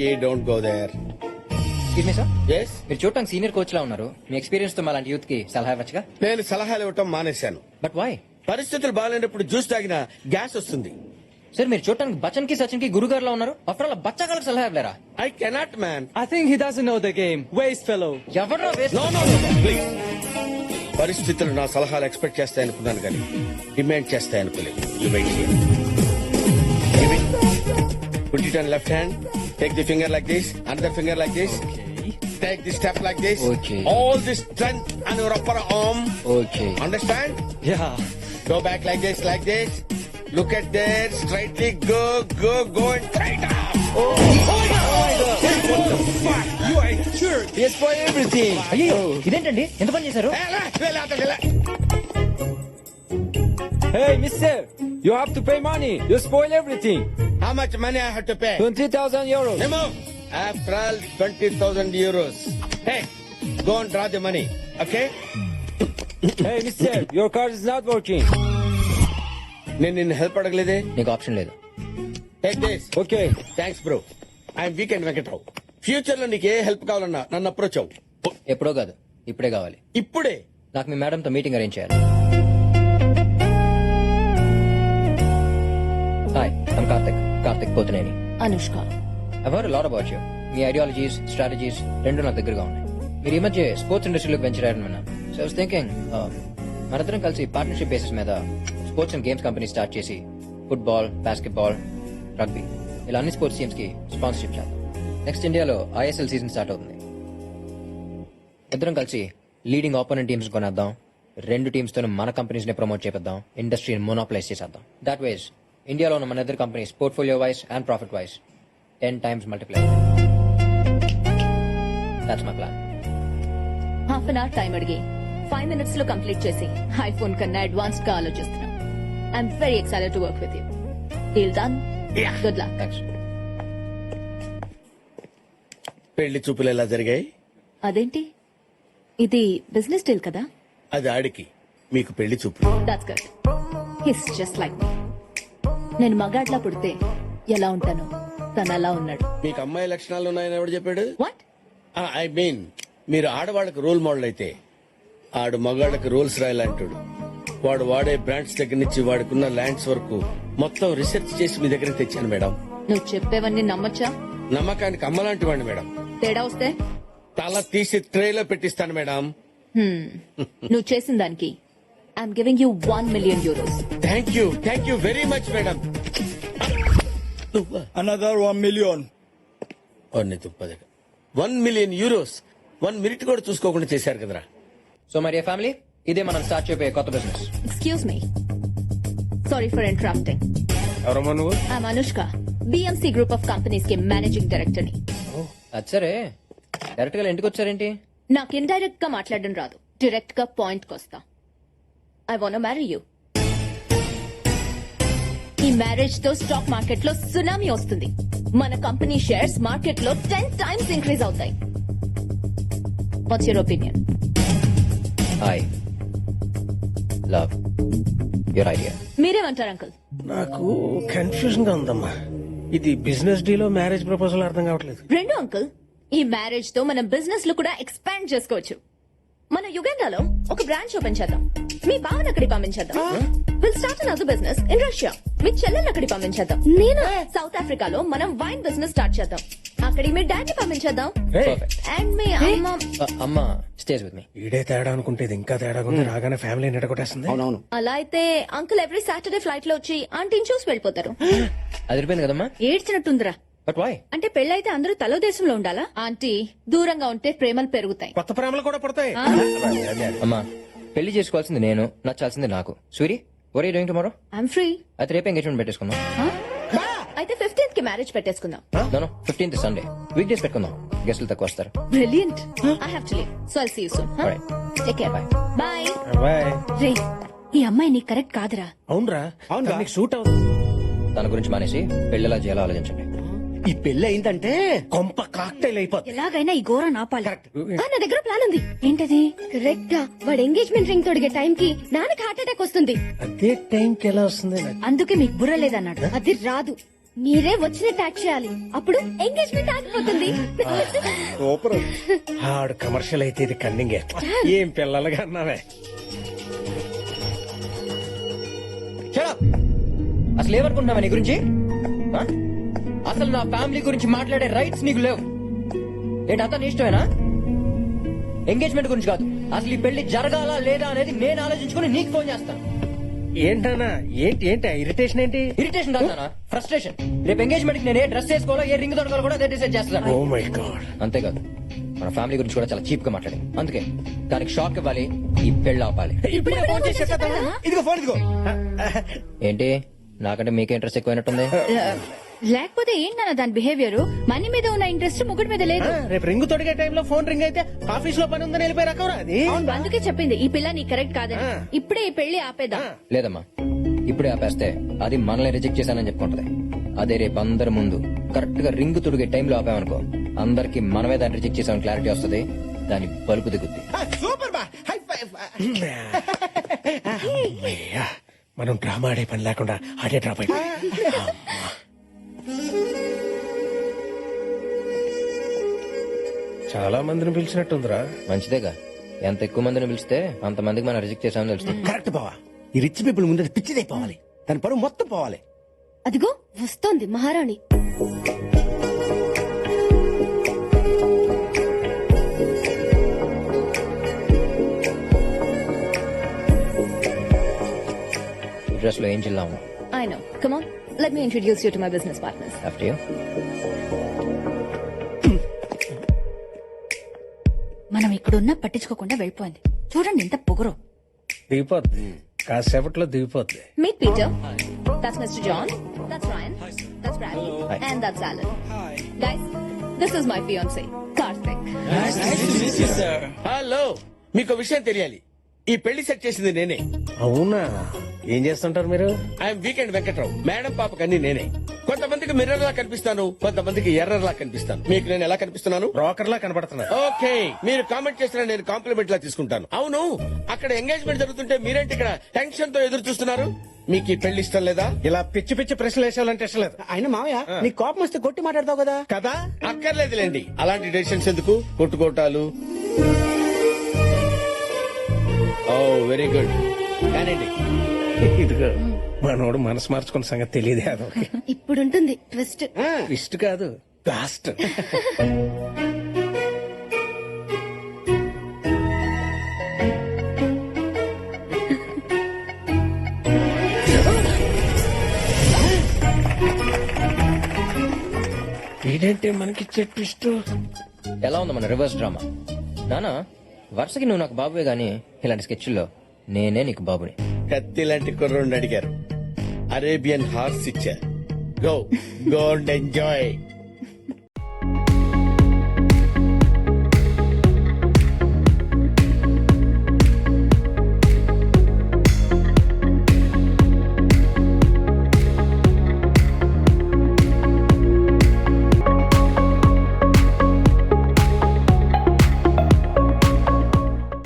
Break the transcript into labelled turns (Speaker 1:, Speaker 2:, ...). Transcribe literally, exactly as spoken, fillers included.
Speaker 1: Rocky, don't go there.
Speaker 2: Excuse me, sir.
Speaker 1: Yes?
Speaker 2: మీరు చూడటానికి senior coach లా ఉన్నారు. మీ experience తో మాలాంటి యూత్ కి సలహా ఇవ్వచ్చుగా.
Speaker 1: నేను సలహాలు ఇవ్వటం మానేశాను.
Speaker 2: But why?
Speaker 1: పరిస్థితులు బాగాలేనప్పుడు జ్యూస్ తాగినా గ్యాస్ వస్తుంది.
Speaker 2: సార్ మీరు చూడటానికి బచ్చన్ కి సచిన్ కి గురుగారు లా ఉన్నారు. ఆఫ్టర్ ఆల్ బచ్చగాళ్ళకి సలహా ఇవ్వలేరా?
Speaker 1: I cannot, man.
Speaker 3: I think he doesn't know the game. Waste fellow.
Speaker 2: ఎవరో
Speaker 1: No, no, no, no, please. పరిస్థితులు నా సలహాలు ఎక్స్పెక్ట్ చేస్తాయనుకున్నాను కానీ డిమాండ్ చేస్తాయనుకోలేదు. You wait here. Give it. Put it on left hand. Take the finger like this. Another finger like this. Take the step like this.
Speaker 2: Okay.
Speaker 1: All this strength on your upper arm.
Speaker 2: Okay.
Speaker 1: Understand?
Speaker 3: Yeah.
Speaker 1: Go back like this, like this. Look at there. Straightly go, go, go and straight up. Oh, oh my God. Hey, what the fuck? You are sure.
Speaker 2: Yes for everything. అయ్యో ఇదేంటండి ఎంత పని చేశారు?
Speaker 1: Hey, la, la, la, la, la.
Speaker 3: Hey, mister. You have to pay money. You spoil everything.
Speaker 1: How much money I have to pay?
Speaker 3: twenty thousand euros.
Speaker 1: Remove. After all, twenty thousand euros. Hey, go and draw the money, okay?
Speaker 3: Hey, mister. Your card is not working.
Speaker 1: నేను నిన్ను help అడగలేదే.
Speaker 2: నీకు option లేదు.
Speaker 1: Take this.
Speaker 3: Okay.
Speaker 1: Thanks bro. I'm weekend Venkatrao. Future లో నీకు ఏ help కావాలన్నా నన్ను approach అవ్వు.
Speaker 2: ఎప్పుడో కాదు ఇప్పుడే కావాలి.
Speaker 1: ఇప్పుడే.
Speaker 2: నాకు మీ మేడం తో మీటింగ్ అరేంజ్ చేయాలి. Hi I'm Karthik Karthik Pothuneni.
Speaker 4: Anushka.
Speaker 2: I've heard a lot about you. మీ ఐడియాలజీస్ స్ట్రాటజీస్ రెండు నాకు దగ్గరగా ఉన్నాయి. మీరు ఈ మధ్య స్పోర్ట్స్ ఇండస్ట్రీలోకి వెంచర్ అయ్యారని విన్నాను. సో ఐ వాస్ థింకింగ్ మనందరం కలిసి పార్ట్నర్షిప్ బేసిస్ మీద sports and games company start చేసి ఫుట్బాల్, బాస్కెట్బాల్, రగ్బీ ఇలా అన్ని స్పోర్ట్స్ టీమ్స్ కి స్పాన్సర్షిప్ చేద్దాం. నెక్స్ట్ ఇండియాలో ఐఎస్ఎల్ సీజన్ స్టార్ట్ అవుతుంది. ఇద్దరం కలిసి లీడింగ్ ఆపోనెంట్ టీమ్స్ కొనేద్దాం. రెండు టీమ్స్ తో మన కంపెనీస్ ని ప్రమోట్ చేద్దాం. ఇండస్ట్రీని మోనోప్లైజ్ చేసేద్దాం. దాట్ వైజ్ ఇండియాలో ఉన్న మన ఇద్దరు companies portfolio wise and profit wise ten times multiply. That's my plan.
Speaker 4: Half an hour time అడిగి ఫైవ్ మినిట్స్ లో కంప్లీట్ చేసి ఐఫోన్ కన్నా అడ్వాన్స్డ్ గా ఆలోచిస్తున్నాం. I'm very excited to work with you. Deal done. Good luck.
Speaker 2: Thanks.
Speaker 1: పెళ్లి చూపులు ఎలా జరిగాయి?
Speaker 4: అదేంటి ఇది బిజినెస్ డీల్ కదా?
Speaker 1: అది ఆడికి, మీకు పెళ్లి చూపులు.
Speaker 4: That's good. He's just like me. నేను మగాడ్లా పుడితే ఎలా ఉంటాను తను అలా ఉన్నాడు.
Speaker 1: మీకు అమ్మాయి లక్షణాలు ఉన్నాయని ఎవడు చెప్పాడు?
Speaker 4: వాట్?
Speaker 1: ఐ మీన్ మీరు ఆడవాళ్ళకి రోల్ మోడల్ అయితే ఆడు మగాళ్ళకి రూల్స్ రాయాలంటాడు. వాడు వాడే బ్రాండ్స్ దగ్గర నుంచి వాడుకున్న ల్యాండ్స్ వరకు మొత్తం రీసెర్చ్ చేసి మీ దగ్గర తెచ్చాను మేడం.
Speaker 4: నువ్వు చెప్పేవన్నీ నమ్మొచ్చా?
Speaker 1: నమ్మకానికి అమ్మలాంటి వాడిని మేడం.
Speaker 4: తేడా వస్తే
Speaker 1: తల తీసి ట్రేలో పెట్టిస్తాను మేడం.
Speaker 4: హ్మ్. నువ్వు చేసిన దానికి I'm giving you one million euros.
Speaker 1: Thank you thank you very much madam.
Speaker 3: Another one million.
Speaker 1: One million euros one minute కూడా చూసుకోకుండా చేశారు కదరా.
Speaker 2: సో మరి ఫ్యామిలీ ఇదే మనం స్టార్ట్ చేయబోయే కొత్త business.
Speaker 4: Excuse me, sorry for interrupting.
Speaker 1: ఎవరమ్మా నువ్వు?
Speaker 4: I'm Anushka, BMC group of companies కి మేనేజింగ్ డైరెక్టర్ ని.
Speaker 2: అది సరే డైరెక్ట్ గా ఇంటికి వచ్చారేంటి?
Speaker 4: నాకు ఇండైరెక్ట్ గా మాట్లాడడం రాదు, డైరెక్ట్ గా పాయింట్ కొస్తా. I want marry you. ఈ మ్యారేజ్ తో స్టాక్ మార్కెట్ లో సునామీ వస్తుంది. మన కంపెనీ షేర్స్ మార్కెట్ లో టెన్ టైమ్స్ ఇంక్రీజ్ అవుతాయి. What's your opinion?
Speaker 2: I love your idea.
Speaker 4: మీరేమంటారు అంకుల్?
Speaker 5: నాకు కన్ఫ్యూజన్ గా ఉందమ్మా. ఇది బిజినెస్ డీలో మ్యారేజ్ ప్రపోజల్ అర్థం కావట్లేదు.
Speaker 4: రెండు అంకుల్, ఈ మ్యారేజ్ తో మనం బిజినెస్ లో కూడా ఎక్స్పాండ్ చేసుకోవచ్చు. మన యుగండాలో ఒక బ్రాంచ్ ఓపెన్ చేద్దాం. మీ బావన్ అక్కడికి పంపించేద్దాం. Will start another business in Russia. మీ చెల్లెల్ని అక్కడికి పంపించేద్దాం. నేను సౌత్ ఆఫ్రికాలో మనం వైన్ బిజినెస్ స్టార్ట్ చేద్దాం. అక్కడికి మీ డాడీ పంపించేద్దాం. అండ్ మీ అమ్మ
Speaker 2: అమ్మ స్టేజ్ విత్ మీ.
Speaker 5: ఈడే తేడా అనుకుంటే ఇది ఇంకా తేడా ఉంది. రాగానే ఫ్యామిలీ నిడగొట్టేస్తుంది.
Speaker 1: అవునవును.
Speaker 4: అలా అయితే అంకుల్ ఎవ్రీ సాటర్డే ఫ్లైట్ లో వచ్చి ఆంటీని చూసి వెళ్ళిపోతారు.
Speaker 2: అదిరిపోయింది కదమ్మా.
Speaker 4: ఏడ్చినట్టుందిరా.
Speaker 2: But why?
Speaker 4: అంటే పెళ్ళైతే అందరూ తలో దేశంలో ఉండాలా? ఆంటీ దూరంగా ఉంటే ప్రేమలు పెరుగుతాయి.
Speaker 5: కొత్త ప్రేమలు కూడా పడతాయి.
Speaker 2: అమ్మా పెళ్లి చేసుకోవాల్సింది నేను, నచ్చాల్సింది నాకు. Suri were you doing tomorrow?
Speaker 4: I'm free.
Speaker 2: అయితే రేపు ఎంగేజ్మెంట్ పెట్టేసుకుందాం.
Speaker 4: అయితే ఫిఫ్టీన్త్ కి మ్యారేజ్ పెట్టేసుకుందాం.
Speaker 2: No fifteenth Sunday weekdays పెట్టుకుందాం. గెస్టులు తక్కువ వస్తారు.
Speaker 4: Brilliant. I have to leave, so I'll see you soon.
Speaker 2: Alright.
Speaker 4: Take care.
Speaker 2: Bye.
Speaker 4: Bye.
Speaker 5: Bye.
Speaker 4: రే, ఈ అమ్మాయి నీకు కరెక్ట్ కాదురా.
Speaker 5: అవునరా, అవును నీకు సూట్ అవుతుంది.
Speaker 2: దాని గురించి మానేసి పెళ్లిలా చేయాలో ఆలోచించండి.
Speaker 5: ఈ పెళ్లి అయిందంటే కొంప కాక్టైల్ అయిపోతుంది.
Speaker 4: ఎలాగైనా ఈ ఘోరం ఆపాలి. ఆ, నా దగ్గర ప్లాన్ ఉంది. ఏంటది? కరెక్ట్ గా వాడు ఎంగేజ్మెంట్ రింగ్ తొడిగే టైం కి నాన్నకి హార్ట్ అటాక్ వస్తుంది.
Speaker 5: అదే టైం కి ఎలా వస్తుంది?
Speaker 4: అందుకే మీకు బుర్ర లేదన్నాడు. అది రాదు. మీరే వచ్చినట్టు యాక్ట్ చేయాలి అప్పుడు ఎంగేజ్మెంట్ ఆగిపోతుంది
Speaker 1: సూపర్.
Speaker 5: ఆడు కమర్షియల్ అయితే ఇది కన్నింగే. ఏం పిల్లలుగా అన్నావే.
Speaker 2: Shut up! అసలు ఏమనుకుంటున్నావా నీ గురించి ఆ? అసలు నా ఫ్యామిలీ గురించి మాట్లాడే రైట్స్ నీకు లేవు. ఏంటి అతను ఇష్టమేనా? ఎంగేజ్మెంట్ గురించి కాదు, అసలు ఈ పెళ్లి జరగాలా లేదా అనేది నేను ఆలోచించుకుని నీకు ఫోన్ చేస్తాను.
Speaker 5: ఏంటన్నా ఏంటి ఏంటి ఇరిటేషన్ ఏంటి?
Speaker 2: ఇరిటేషన్ కాదు, ఫ్రస్ట్రేషన్. రేపు ఎంగేజ్మెంట్ కి నేను ఏ డ్రెస్ వేసుకోవాలో ఏ రింగ్ దొరకాలో కూడా అదే డిసైడ్ చేస్తాను.
Speaker 5: Oh my God.
Speaker 2: అంతేకాదు మన ఫ్యామిలీ గురించి కూడా చాలా చీప్ గా మాట్లాడి, అందుకే దానికి షాక్ ఇవ్వాలి, ఈ పెళ్లి ఆపాలి.
Speaker 5: ఇప్పుడే ఫోన్ చేసి చెప్పేద్దామా?
Speaker 1: ఇదిగో ఫోన్ ఇదిగో.
Speaker 2: ఏంటి నాకంటే మీకే ఇంట్రెస్ట్ ఎక్కువైనట్టుంది.
Speaker 4: లేకపోతే ఏంటన్న దాని బిహేవియర్? మనీ మీద ఉన్న ఇంట్రెస్ట్ ముగ్గురు మీద లేదు.
Speaker 5: ఆ, రేపు రింగ్ తొడిగే టైంలో ఫోన్ రింగ్ అయితే ఆఫీస్ లో పని ఉందని వెళ్ళిపోయి రకరా అది.
Speaker 4: అందుకే చెప్పింది ఈ పిల్ల నీ కరెక్ట్ కాదని.
Speaker 5: ఆ.
Speaker 4: ఇప్పుడే ఈ పెళ్లి ఆపేద్దాం.
Speaker 2: లేదమ్మా, ఇప్పుడే ఆపేస్తే అది మనల్ని రిజెక్ట్ చేశానని చెప్పుకుంటది. అదే రేపు అందరి ముందు కరెక్ట్ గా రింగ్ తుడిగే టైంలో ఆపామనుకో, అందరికి మనమే దాన్ని రిజెక్ట్ చేసామని క్లారిటీ వస్తుంది. దాని బలుపు దిగుద్ది.
Speaker 1: సూపర్ బా. High five.
Speaker 5: అమ్మయ్యా, మనం డ్రామా ఆడే పని లేకుండా ఆడే డ్రాప్ అయిపోయి. చాలా మందిని పిలిచినట్టుందిరా.
Speaker 2: మంచిదేగా, ఎంత ఎక్కువ మందిని పిలిస్తే అంత మందికి మనం రిజెక్ట్ చేసామని తెలుస్తుంది.
Speaker 1: కరెక్ట్ బావా. ఈ రిచ్ పీపుల్ ముందు పిచ్చిదైపోవాలి, దాని పరువు మొత్తం పోవాలి.
Speaker 4: అదిగో వస్తోంది మహారాణి.
Speaker 2: డ్రెస్ లో ఏం చిల్లాము.
Speaker 4: I know. Come on, let me introduce you to my business partners.
Speaker 2: After you.
Speaker 6: మనం ఇక్కడున్నా పట్టించుకోకుండా వెళ్ళిపోయింది. చూడండి ఎంత పొగరు.
Speaker 5: దిగిపోద్ది, కాసేపట్లో దిగిపోద్ది.
Speaker 4: Meet Peter. That's Mister John. That's Ryan. That's Bradley. And that's Alan. Guys, this is my fiance, Karthik.
Speaker 1: Hello, మీకు విషయం తెలియాలి. ఈ పెళ్లి సెట్ చేసింది నేనే.
Speaker 5: అవునా? ఏం చేస్తుంటారు మీరు?
Speaker 1: I'm weekend Venkatrao. మేడం పాపకి అన్ని నేనే. కొంతమందికి మిర్రర్ లా కనిపిస్తాను, కొంతమందికి ఎర్రర్ లా కనిపిస్తాను. మీకు నేను ఎలా కనిపిస్తున్నాను?
Speaker 5: బ్రోకర్ లా కనబడుతున్నా.
Speaker 1: ఓకే, మీరు కామెంట్ చేసిన నేను కాంప్లిమెంట్ లా తీసుకుంటాను. అవును, అక్కడ ఎంగేజ్మెంట్ జరుగుతుంటే మీరేంటి ఇక్కడ టెన్షన్ తో ఎదురు చూస్తున్నారు? మీకు ఈ పెళ్లి ఇష్టం లేదా?
Speaker 5: ఇలా పిచ్చి పిచ్చి ప్రశ్నలు వేసేయాలంటే ఇష్టం లేదు.
Speaker 7: ఆయన మావయ్య నీ కోపం వస్తే కొట్టి మాట్లాడతావు కదా.
Speaker 5: కదా?
Speaker 1: అక్కర్లేదులేండి, అలాంటి డెసిషన్స్ ఎందుకు? కొట్టుకోటాలు. Oh very good. కానండి.
Speaker 5: ఇదిగో మనోడు మనసు మార్చుకున్న సంగతి తెలియదే అదొక
Speaker 4: ఇప్పుడుంటుంది ట్విస్ట్.
Speaker 5: ఇష్ట కాదు, లాస్ట్. ఏంటంటే మనకి ట్విస్ట్.
Speaker 2: ఎలా ఉంది మన రివర్స్ డ్రామా? నానా, వరుసకి నువ్వు నాకు బాబువే గానీ ఇలాంటి స్కెచ్ల్లో నేనే నీకు బాబుని.
Speaker 1: కత్తి లాంటి కుర్రోడిని అడిగారు, అరేబియన్ హార్స్ ఇచ్చారు. Go go and enjoy.